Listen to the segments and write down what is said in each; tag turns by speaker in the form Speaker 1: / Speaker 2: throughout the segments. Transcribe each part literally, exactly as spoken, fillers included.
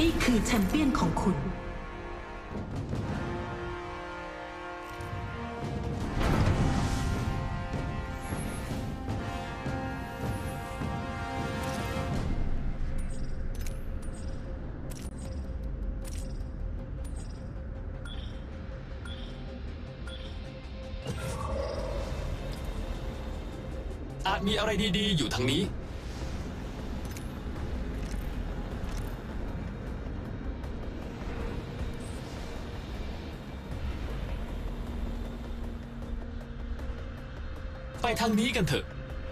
Speaker 1: นี่คือแชมเปี้ยนของคุณ
Speaker 2: อาจมีอะไรดีๆอยู่ทางนี้ไปทางนี้กันเถอะ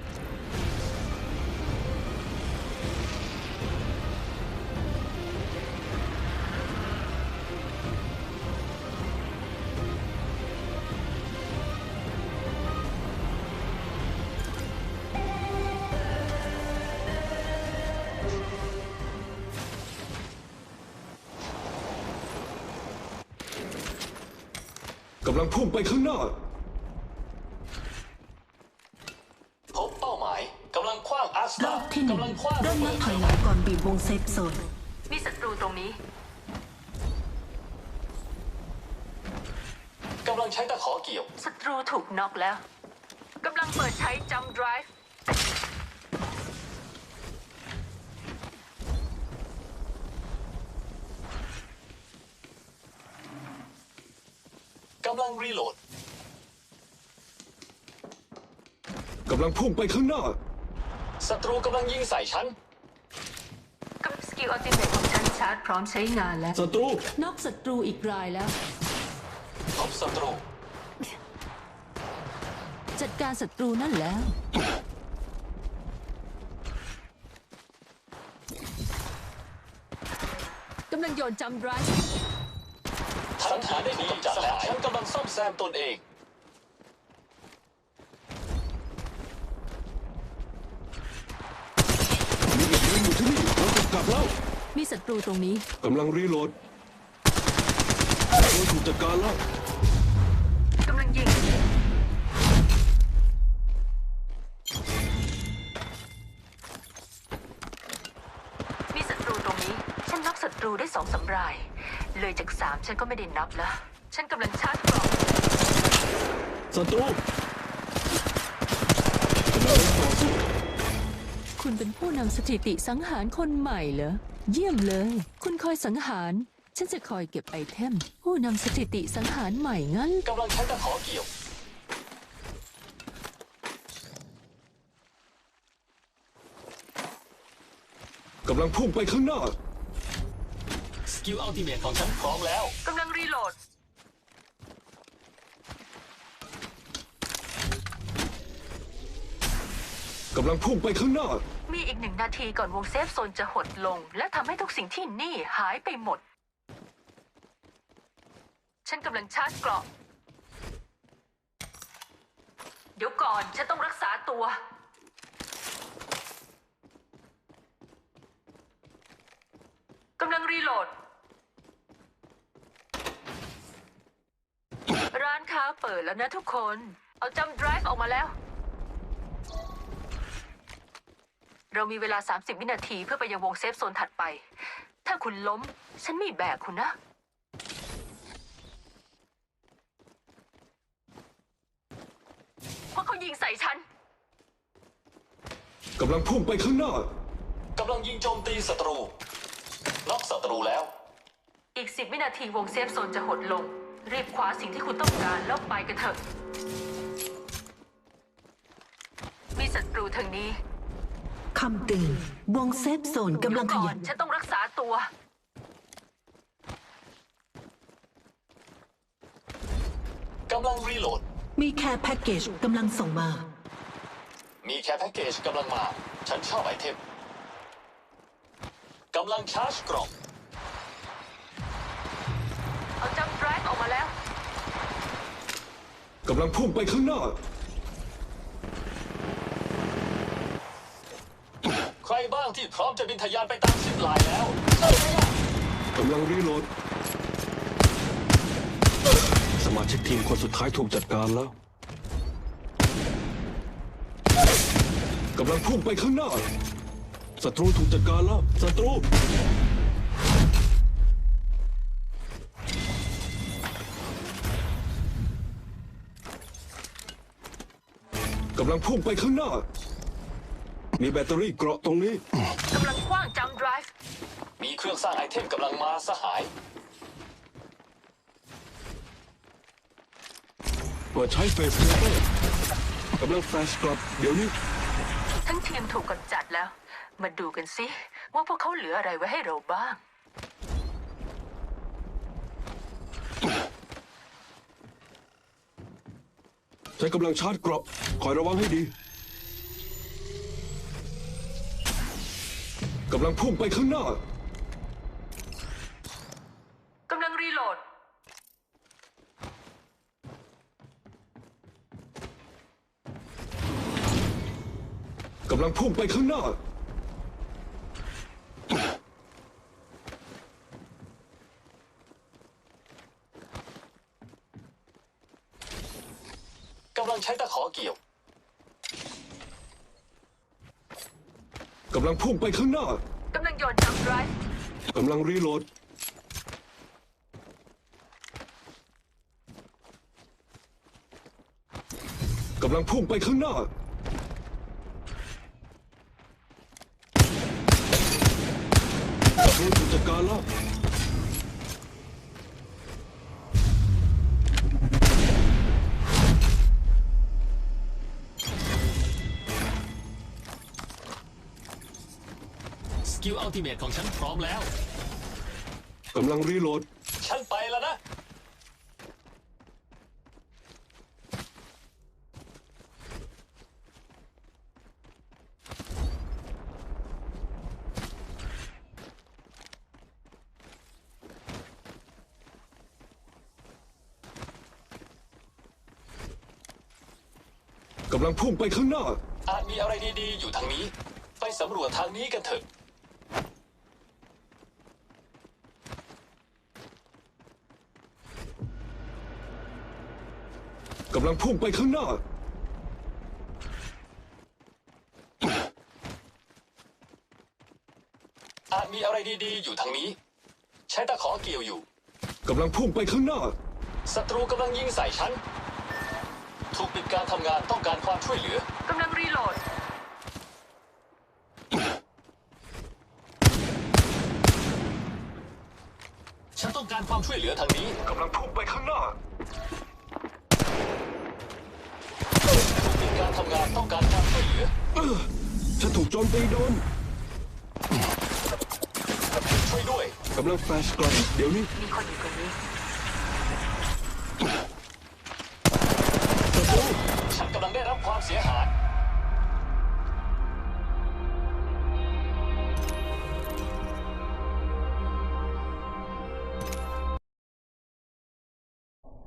Speaker 3: กำลังพุ่งไปข้างหน้า
Speaker 2: พบเป้าหมายกำลังคว้างอาส
Speaker 1: ร
Speaker 2: ตา
Speaker 1: อบที่หนึ่ง
Speaker 2: กำลังคว้าง
Speaker 1: เริ่มนับถอยหลังก่อนบีบวงเซฟโซน
Speaker 4: มีศัตรูตรงนี้
Speaker 2: กำลังใช้ตะขอเกี่ยว
Speaker 4: ศัตรูถูกน็อกแล้วกำลังเปิดใช้จัมป์ไดรฟ์
Speaker 2: กำลังรีโหลด
Speaker 3: กำลังพุ่งไปข้างหน้า
Speaker 2: ศัตรูกำลังยิงใส่ฉัน
Speaker 4: กับสกิลอัลติเมทของฉันชาร์จพร้อมใช้งานแล้ว
Speaker 3: ศัตรู
Speaker 1: น็อกศัตรูอีกรายแล้ว
Speaker 2: พบศัตรู
Speaker 1: จัดการศัตรูนั่นแล้วกำลังโยนจัมป์ไดรฟ์
Speaker 2: สังหารได้ดีจัดแล้วฉันกำลังซ่อมแซมตนเอง
Speaker 3: มีอีกทีมอยู่ที่นี่เราจะกลับแล้ว
Speaker 1: มีศัตรูตรงนี้
Speaker 3: กำลังรีโหลดโดนถูกจัดการแล้ว
Speaker 4: กำลังยิงมีศัตรูตรงนี้ฉันน็อกศัตรูได้สองสำรายเลยจากสามฉันก็ไม่ได้นับแล้วฉันกำลังชาร์จกล่อง
Speaker 3: ศัตรูกำลังต่อสู้
Speaker 1: คุณเป็นผู้นำสถิติสังหารคนใหม่เหรอเยี่ยมเลยคุณคอยสังหารฉันจะคอยเก็บไอเทมผู้นำสถิติสังหารใหม่งั้น
Speaker 2: กำลังใช้ตะขอเกี่ยว
Speaker 3: กำลังพุ่งไปข้างหน้า
Speaker 2: สกิลอัลติเมทของฉันพร้อมแล้ว
Speaker 4: กำลังรีโหลด
Speaker 3: กำลังพุ่งไปข้างหน้า
Speaker 4: มีอีกหนึ่งนาทีก่อนวงเซฟโซนจะหดลงและทำให้ทุกสิ่งที่นี่หายไปหมดฉันกำลังชาร์จเกราะเดี๋ยวก่อนฉันต้องรักษาตัวกำลังรีโหลดร้านค้าเปิดแล้วนะทุกคนเอาจัมป์ไดรฟ์ออกมาแล้วเรามีเวลาสามสิบวินาทีเพื่อไปยังวงเซฟโซนถัดไปถ้าคุณล้มฉันไม่แบกคุณนะเพราะเขายิงใส่ฉัน
Speaker 3: กำลังพุ่งไปข้างหน้า
Speaker 2: กำลังยิงโจมตีศัตรูน็อกศัตรูแล้ว
Speaker 4: อีกสิบวินาทีวงเซฟโซนจะหดลงรีบคว้าสิ่งที่คุณต้องการแล้วไปกันเถอะมีศัตรูทางนี้
Speaker 1: คำเตือนวงเซฟโซนกำลังขยับ
Speaker 4: ฉันต้องรักษาตัว
Speaker 2: กำลังรีโหลด
Speaker 1: มีแคร์แพ็กเกจกำลังส่งมา
Speaker 2: มีแคร์แพ็กเกจกำลังมาฉันชอบไอเทมกำลังชาร์จกล่อง
Speaker 4: เอาจัมป์ไดรฟ์ออกมาแล้ว
Speaker 3: กำลังพุ่งไปข้างหน้า
Speaker 2: ใครบ้างที่พร้อมจะบินทะยานไปตามซิปไลน์แล้ว
Speaker 3: กำลังรีโหลดสมาชิกทีมคนสุดท้ายถูกจัดการแล้วกำลังพุ่งไปข้างหน้าศัตรูถูกจัดการแล้วศัตรูกำลังพุ่งไปข้างหน้า มีแบตเตอรี่เกราะตรงนี้
Speaker 4: กำลังคว้างจัมป์ไดรฟ์
Speaker 2: มีเครื่องสร้างไอเทมกำลังมาสหาย
Speaker 3: เปิดใช้เฟสเซเตอร์กำลังแฟลชกลับเดี๋ยวนี้
Speaker 4: ทั้งทีมถูกกำจัดแล้ว มาดูกันสิว่าพวกเขาเหลืออะไรไว้ให้เราบ้าง
Speaker 3: ใช้กำลังชาร์จเกราะคอยระวังให้ดีกำลังพุ่งไปข้างหน้า
Speaker 4: กำลังรีโหลด
Speaker 3: กำลังพุ่งไปข้างหน้า
Speaker 2: กำลังใช้ตะขอเกี่ยว
Speaker 3: กำลังพุ่งไปข้างหน้า
Speaker 4: กำลังโยนจัมป์ไดรฟ์
Speaker 3: กำลังรีโหลด กำลังพุ่งไปข้างหน้า ศัตรูถูกจัดการแล้ว
Speaker 2: สกิลอัลติเมทของฉันพร้อมแล้ว
Speaker 3: กำลังรีโหลด
Speaker 2: ฉันไปแล้วนะ
Speaker 3: กำลังพุ่งไปข้างหน้า
Speaker 2: อาจมีอะไรดีๆ อยู่ทางนี้ ไปสำรวจทางนี้กันเถอะ
Speaker 3: กำลังพุ่งไปข้างหน้า
Speaker 2: อาจมีอะไรดีๆ อยู่ทางนี้ ใช้ตะขอเกี่ยวอยู่
Speaker 3: กำลังพุ่งไปข้างหน้า
Speaker 2: ศัตรูกำลังยิงใส่ฉัน ถูกปิดการทำงานต้องการความช่วยเหลือ
Speaker 4: กำลังรีโหลด
Speaker 2: ฉันต้องการความช่วยเหลือทางนี้
Speaker 3: กำลังพุ่งไปข้างหน้า
Speaker 2: ถูกปิดการทำงานต้องการความช่วยเหลือ
Speaker 3: เออฉันถูกโจมตีโดน
Speaker 2: ช่วยด้วย
Speaker 3: กำลังแฟลชกลับเดี๋ยวนี้
Speaker 4: มีคนอยู่ตรงนี้
Speaker 3: ศัตรู
Speaker 2: ฉันกำลังได้รับความเสียหาย